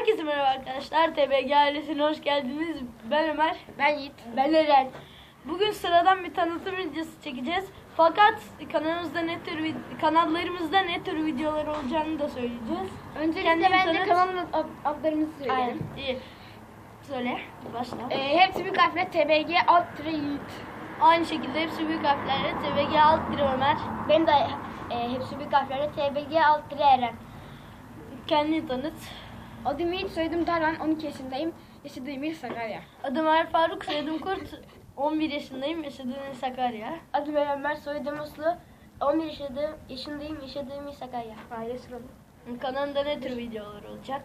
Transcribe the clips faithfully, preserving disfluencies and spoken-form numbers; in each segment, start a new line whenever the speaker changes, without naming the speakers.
Herkese merhaba arkadaşlar. T B G ailesine hoş geldiniz. Ben Ömer.
Ben Yiğit.
Ben Eren. Bugün sıradan bir tanıtım videosu çekeceğiz. Fakat kanalımızda ne tür vid- kanallarımızda ne tür videolar olacağını da söyleyeceğiz.
Öncelikle
Kendini
bence
tanıt.
kanalın ad- adlarımızı
Aynen.
söyleyelim.
İyi. Söyle. Başla.
Ee, hepsi büyük harfle T B G alt tire Yiğit.
Aynı şekilde hepsi büyük harflerle T B G alt bir Ömer.
Benim de e, hepsi büyük harflerle T B G alt tire Eren.
Kendini tanıt.
Adım Yiğit, soyadım Tarhan, on iki yaşındayım. Yaşadığım il Sakarya.
Adım Er Faruk, soyadım Kurt. on bir yaşındayım, yaşadığım il Sakarya.
Adım Eren Ömer, soyadım Uslu. on bir yaşadığım, yaşındayım, yaşadığım il Sakarya. Aile sıralı.
Kanalda ne tür videolar olacak?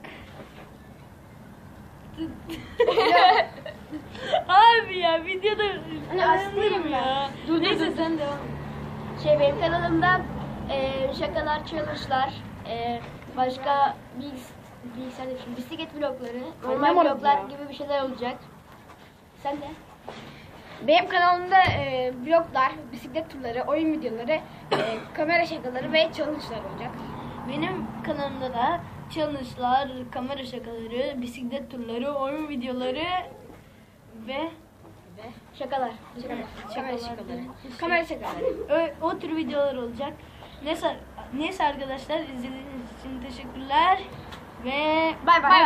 Abi ya videoda
Hani açtırayım
ya.
ben. Dur, dur,
Neyse
dur.
sen devam.
Şey, benim kanalımda e, şakalar, challenge'lar, e, başka bilgis bilgisayar demişim, bisiklet vlogları, normal
Anlamadım
vloglar
ya.
gibi bir şeyler olacak. Sen de? Benim kanalımda e, vloglar, bisiklet turları, oyun videoları, e, kamera şakaları ve challenge'lar olacak.
Benim kanalımda da challenge'lar, kamera şakaları, bisiklet turları, oyun videoları ve
Ve şakalar. Şakalar. Kamera
Şakalar.
şakaları.
Şey-
Kamera şakaları.
o, o tür videolar olacak. Neyse, neyse arkadaşlar izlediğiniz için teşekkürler ve
Bay bay.